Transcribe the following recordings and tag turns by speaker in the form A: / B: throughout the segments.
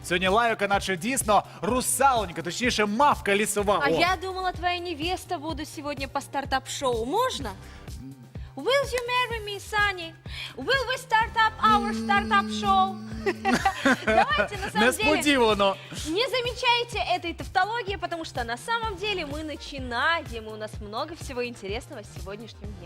A: Сьогодні лайка, наче дійсно русалонька, точніше мавка лісова.
B: А
A: О.
B: я думала, твоя невеста буду сегодня по стартап-шоу. Можно? Will you marry me, Sunny? Will we start up our startup show? Давайте, на самом деле,
A: Несподівано.
B: не замечайте этой тавтологии, потому что на самом деле мы начинаем, и у нас много всего интересного в сегодняшнем дне.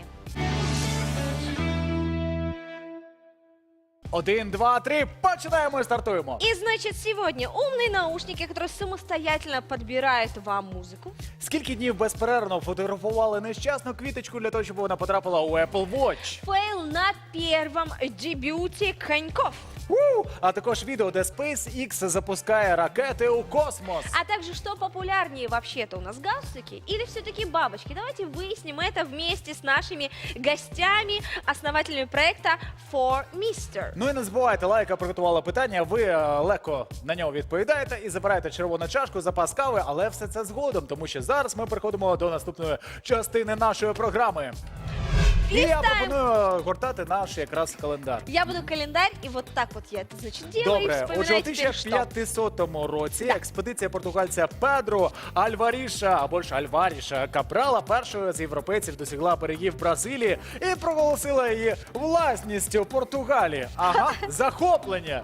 A: 1, 2, 3, починаємо і стартуємо.
B: И значит, сегодня умные наушники, которые самостоятельно подбирают вам музыку.
A: Скільки днів безперервно фотографували нещасну квіточку для того, щоб вона потрапила у Apple Watch?
B: Фейл на первом дебюте коньков.
A: А також відео, де SpaceX запускає ракети у космос.
B: А также, что популярнее вообще-то у нас, галстуки или все-таки бабочки? Давайте выясним это вместе с нашими гостями, основателями проекта For Mister.
A: Ну і не забувайте, лайка приготувала питання, ви легко на нього відповідаєте і забираєте червону чашку, запас кави, але все це згодом, тому що зараз ми переходимо до наступної частини нашої програми. І я
B: Листаем.
A: пропоную гортати наш якраз календар.
B: Я буду календарь, и вот так вот я это, значит, делаю, и
A: Добре, отже, у
B: вспоминаю теперь, что.
A: 1500 році експедиція португальця Педро Альваріша, або ж Альваріша Кабрала, першою з європейців досягла берегів Бразилії і проголосила її власністю Португалії. Ага, захоплення.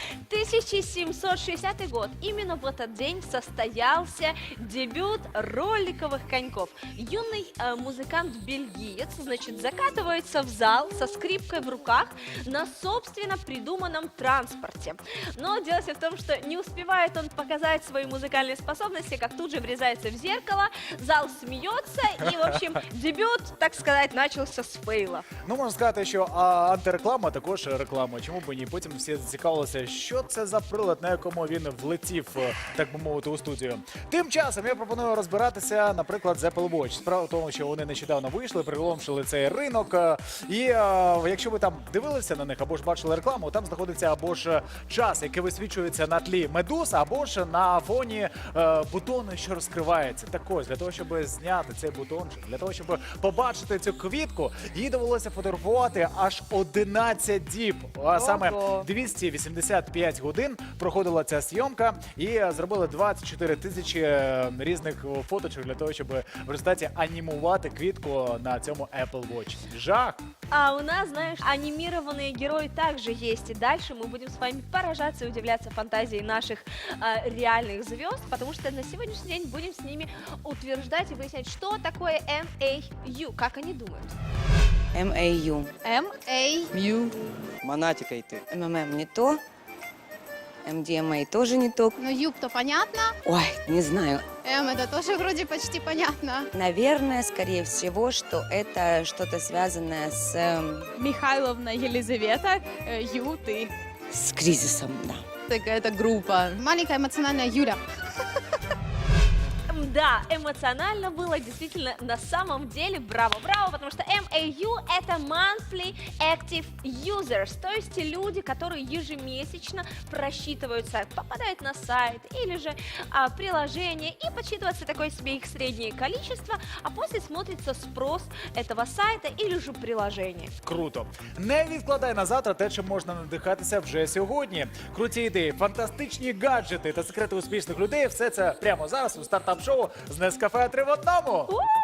B: 1760 год. Именно в этот день состоялся дебют роликовых коньков. Юный музыкант-бельгиец, значит, закатывается в зал со скрипкой в руках на собственно придуманном транспорте. Но дело все в том, что не успевает он показать свои музыкальные способности, как тут же врезается в зеркало, зал смеется, и, в общем, дебют, так сказать, начался с фейла.
A: Ну, можна сказати, що антиреклама також реклама. Чому б ні? Потім всі зацікавилися, що це за прилад, на якому він влетів, так би мовити, у студію. Тим часом я пропоную розбиратися, наприклад, з Apple Watch. Справа в тому, що вони нещодавно вийшли, приголомшили цей ринок. І якщо ви там дивилися на них, або ж бачили рекламу, там знаходиться або ж час, який висвічується на тлі медуз, або ж на фоні бутону, що розкривається. Так ось, для того, щоб зняти цей бутончик, для того, щоб побачити цю квітку, їй довелося фотографувати аж 11 діб. А саме 285 годин проходила ця зйомка, і зробили 24 тисячі різних фоточок для того, щоб в результаті анімувати квітку на цьому Apple Watch. Жах!
B: А у нас, знаешь, анимированные герои также есть. И дальше мы будем с вами поражаться и удивляться фантазии наших реальных звезд, потому что на сегодняшний день будем с ними утверждать и выяснять, что такое MAU, как они думают.
C: MAU.
D: Мью.
E: Монатикой ты.
C: МММ не то. MDMA тоже не то.
D: Ну, юб-то понятно.
C: Ой, не знаю.
D: Это тоже вроде почти понятно.
C: Наверное, скорее всего, что это что-то связанное
F: Михайловна Елизавета, Ю, ты.
C: с кризисом, да.
D: Какая-то группа. Маленькая эмоциональная Юля.
B: Да, эмоционально было действительно на самом деле. Браво-браво, потому что MAU — это Monthly Active Users, то есть люди, которые ежемесячно просчитывают сайт, попадают на сайт или же приложение, и подсчитывается такое себе их среднее количество, а после смотрится спрос этого сайта или же приложения.
A: Круто. Не відкладай на завтра те, чим можна надихатися вже сьогодні. Круті ідеї, фантастичні гаджети та секрети успішних людей – все це прямо зараз у стартап-шоу з Нескафе 3 в одному.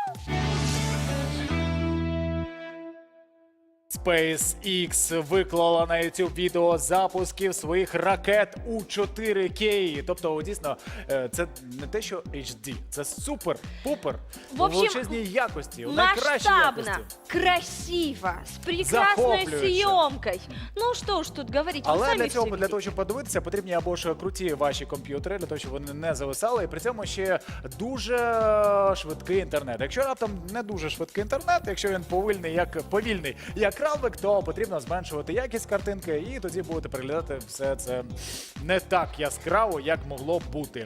A: SpaceX виклала на YouTube відео запусків своїх ракет у 4K. Тобто, дійсно, це не те, що HD, це супер-пупер
B: В общем,
A: у величезній якості, у найкращій
B: масштабно,
A: якості.
B: красиво, с прекрасной
A: Захоплююще.
B: съемкой. Ну что ж тут говорить, вы
A: Але
B: сами
A: для цього,
B: всё
A: для того,
B: видите.
A: щоб подивитися, потрібні або ж круті ваші комп'ютери, для того, щоб вони не зависали, і при цьому ще дуже швидкий інтернет. Якщо раптом не дуже швидкий інтернет, якщо він повільний, як равлик, то потрібно зменшувати якість картинки, і тоді будете переглядати все це не так яскраво, як могло б бути.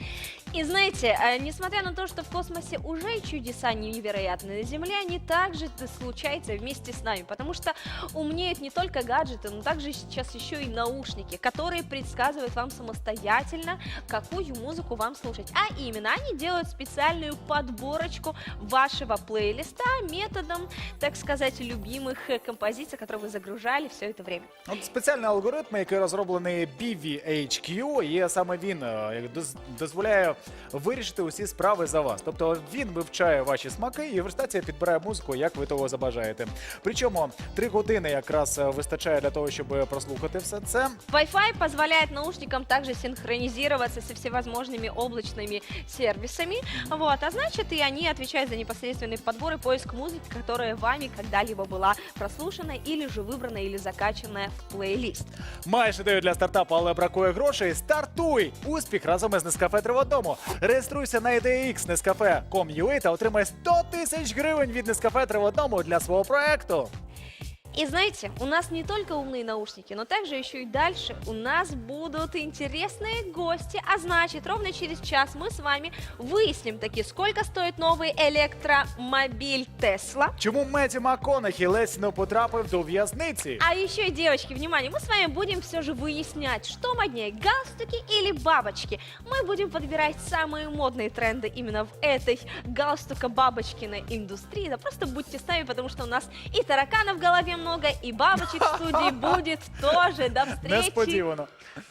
B: И знаете, несмотря на то, что в космосе уже чудеса невероятные, на Земле они также случаются вместе с нами, потому что умнеют не только гаджеты, но также сейчас еще и наушники, которые предсказывают вам самостоятельно, какую музыку вам слушать. А именно, они делают специальную подборочку вашего плейлиста методом, так сказать, любимых композиций, которые вы загружали все это время.
A: От спеціальний алгоритм, який розроблений BVHQ, і саме він дозволяє вирішити усі справи за вас. Тобто він вивчає ваші смаки і в результаті підбирає музику, як ви того забажаєте. Причому 3 години якраз вистачає для того, щоб прослухати все це.
B: Wi-Fi позволяет наушникам также синхронизироваться со всевозможными облачными сервисами, вот, а значит и они отвечают за непосредственный подбор и поиск музыки, которая вами когда-либо была прослушана или же выбрана или закачана в плейлист.
A: Маєш ідею для стартапу, але бракує грошей? Стартуй! Успіх разом із Nescafe 3 в одному. Реєструйся на IDEX Nescafe.com.ua та отримай 100 тисяч гривень від Nescafe 3 в одному для свого проекту.
B: И знаете, у нас не только умные наушники, но также еще и дальше у нас будут интересные гости, а значит, ровно через час мы с вами выясним таки, сколько стоит новый электромобиль Tesla.
A: Чому Меттью МакКонахі ледь не потрапив до в'язниці?
B: А еще, девочки, внимание, мы с вами будем все же выяснять, что моднее, галстуки или бабочки. Мы будем подбирать самые модные тренды именно в этой галстука-бабочкиной индустрии. Да просто будьте с нами, потому что у нас и тараканов в голове много, и бабочек в студии будет тоже. До встречи!
A: Несподівано.